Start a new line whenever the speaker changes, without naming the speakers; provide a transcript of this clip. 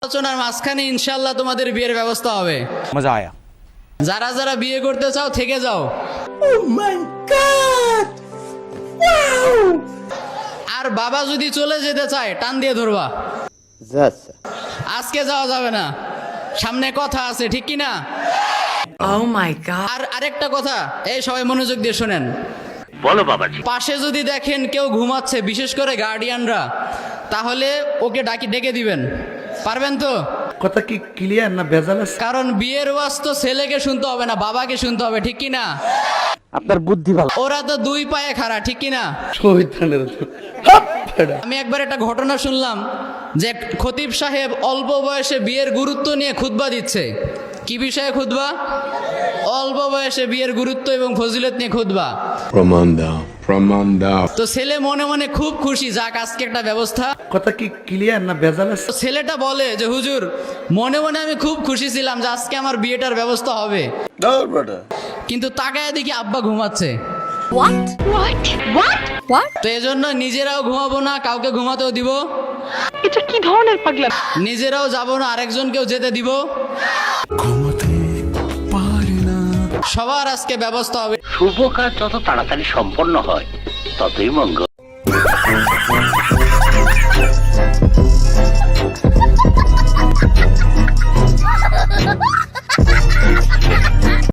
আলোচনার মাঝখানে ইনশাআল্লাহ তোমাদের বিয়ের ব্যবস্থা হবে।
मजा आया।
যারা যারা বিয়ে করতে চাও থেকে যাও। আর বাবা যদি চলে যেতে চায় টান দিয়ে ধরবা। আজকে যাওয়া যাবে না, সামনে কথা আছে, ঠিক কি না?
Oh my God!
আর আরেকটা কথা, এই সবাই মনোযোগ দিয়ে শোনেন।
বলো বাবাজি।
পাশে যদি দেখেন কেউ ঘুমাচ্ছে, বিশেষ করে গার্ডিয়ানরা, তাহলে ওকে ডেকে দিবেন। পারবেন তো?
কথা কি ক্লিয়ার না ভেজাল আছে?
কারণ বিয়ের ওয়াজ তো ছেলেকে শুনতে হবে না, বাবাকে শুনতে হবে, ঠিক কি না?
আপনার বুদ্ধি ভালো।
ওরা তো দুই পায়ে খাড়া, ঠিক কি না?
শহীদানের হাপ ফেড়া।
আমি একবার একটা ঘটনা শুনলাম যে খতিব সাহেব অল্প বয়সে বিয়ের গুরুত্ব নিয়ে খুতবা দিচ্ছে। কি বিষয়ে খুতবা? অল্প বয়সে বিয়ের গুরুত্ব এবং ফজিলত নিয়ে খুতবা।
প্রমাণ দাও।
তো ছেলে মনে মনে খুব খুশি, যাক আজকে একটা ব্যবস্থা।
কথা কি ক্লিয়ার না ভেজাল আছে?
তো ছেলেটা বলে যে হুজুর, মনে মনে আমি খুব খুশি ছিলাম যে আজকে আমার বিয়েটার ব্যবস্থা হবে, কিন্তু তাকায় দেখি আব্বা ঘুমাচ্ছে।
What? What? What? What?
তো এজন্য নিজেরাও ঘুমাবো না, কাউকে ঘুমাতেও দিব।
এটা কি ধরনের পাগলা?
নিজেরাও যাবো না, আরেকজনকেও যেতে দিব। সবার আজকে ব্যবস্থা হবে।
শুভ কাজ যত তাড়াতাড়ি সম্পন্ন হয় ততই মঙ্গল।